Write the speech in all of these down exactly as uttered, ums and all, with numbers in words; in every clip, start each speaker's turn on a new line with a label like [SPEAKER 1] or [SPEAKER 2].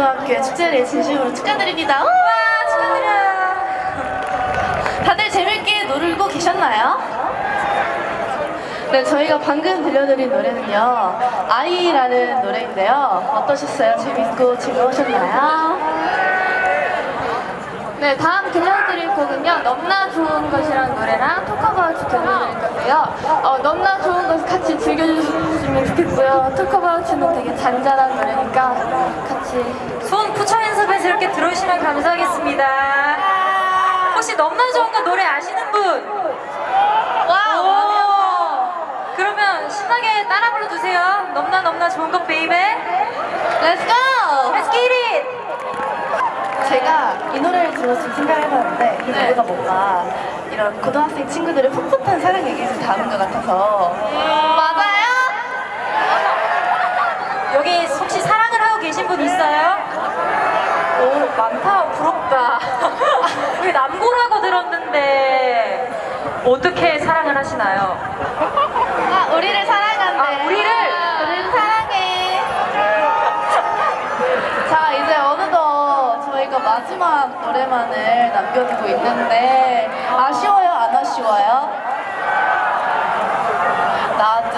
[SPEAKER 1] 고등학교의 축제를 진심으로 축하드립니다. 우와, 축하드려요. 다들 재밌게 놀고 계셨나요? 네, 저희가 방금 들려드린 노래는요, 아이라는 노래인데요. 어떠셨어요? 재밌고 즐거우셨나요?
[SPEAKER 2] 네, 다음 들려드릴 곡은요, 너무나 좋은 것이라는 노래랑 톡어바우츠 들려드릴 건데요. 어, 너무나 좋은 것을 같이 즐겨주시면 좋겠고요. 톡어바우츠는 되게 잔잔한 노래니까 같이
[SPEAKER 3] 손 부처 연습해서 이렇게 들어오시면 감사하겠습니다. 혹시 너무나 좋은 거 노래 아시는 분? 와우! 그러면 신나게 따라 불러주세요. 너무나 너무나 좋은 거 베이베.
[SPEAKER 1] Let's go!
[SPEAKER 3] Let's get it!
[SPEAKER 1] 제가 이 노래를 들어서 좀 생각을 해봤는데 이
[SPEAKER 3] 네.
[SPEAKER 1] 노래가 뭔가 이런 고등학생 친구들의 풋풋한 사랑 얘기를 담은 것 같아서. 맞아요?
[SPEAKER 3] 여기 혹시 사랑을 하고 계신 분 있어요? 오, 많다. 부럽다. 우리 남고라고 들었는데 어떻게 사랑을 하시나요?
[SPEAKER 1] 아, 우리를 사랑한대.
[SPEAKER 3] 아, 우리를?
[SPEAKER 1] 우리를 사랑해. 자, 이제 어느덧 저희가 마지막 노래만을 남겨두고 있는데 아쉬워요? 안 아쉬워요? 나도.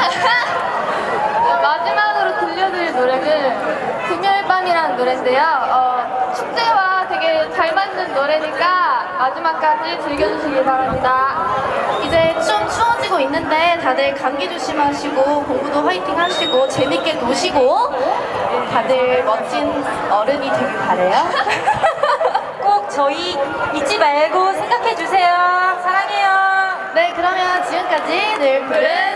[SPEAKER 2] 마지막으로 들려드릴 노래는 금요일 밤이라는 노래인데요. 어, 축제와 되게 잘 맞는 노래니까 마지막까지 즐겨주시기 바랍니다.
[SPEAKER 1] 이제 좀 추워지고 있는데 다들 감기 조심하시고 공부도 화이팅 하시고 재밌게 노시고 다들 멋진 어른이 되길 바래요.
[SPEAKER 3] 꼭 저희 잊지 말고 생각해 주세요. 사랑해요.
[SPEAKER 1] 네, 그러면 지금까지 늘 푸른